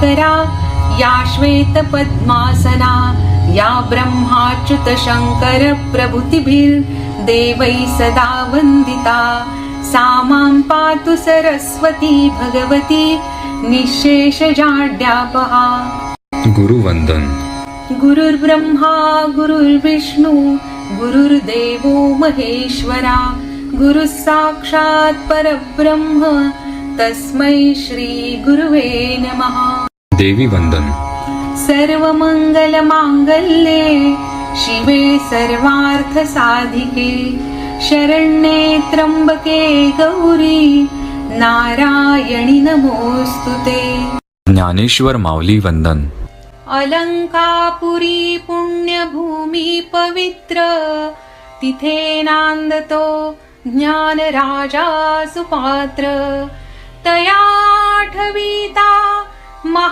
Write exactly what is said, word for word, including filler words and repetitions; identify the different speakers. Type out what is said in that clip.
Speaker 1: श्वेतकरा या श्वेतपद्मासना या ब्रह्माच्युतशङ्करप्रभृतिभिर्देवैः सदा वन्दिता सा मां पातु सरस्वती भगवती निःशेषजाड्यापहा।
Speaker 2: गुरुवंदन।
Speaker 1: गुरुर्ब्रह्मा गुरुर्विष्णु गुरुर्देवो महेश्वरा गुरुः साक्षात् परब्रह्म तस्मै श्री गुरुवे नमः।
Speaker 2: देवी वंदन।
Speaker 1: सर्वमंगलमांगल्ये शिवे सर्वार्थसाधिके शरण्ये त्र्यंबके गौरी नारायणी नमोस्तुते।
Speaker 2: ज्ञानेश्वर माऊली वंदन।
Speaker 1: अलंकापुरी पुण्यभूमी पवित्र तिथे नांदतो ज्ञान राजा सुपात्र तया आठविता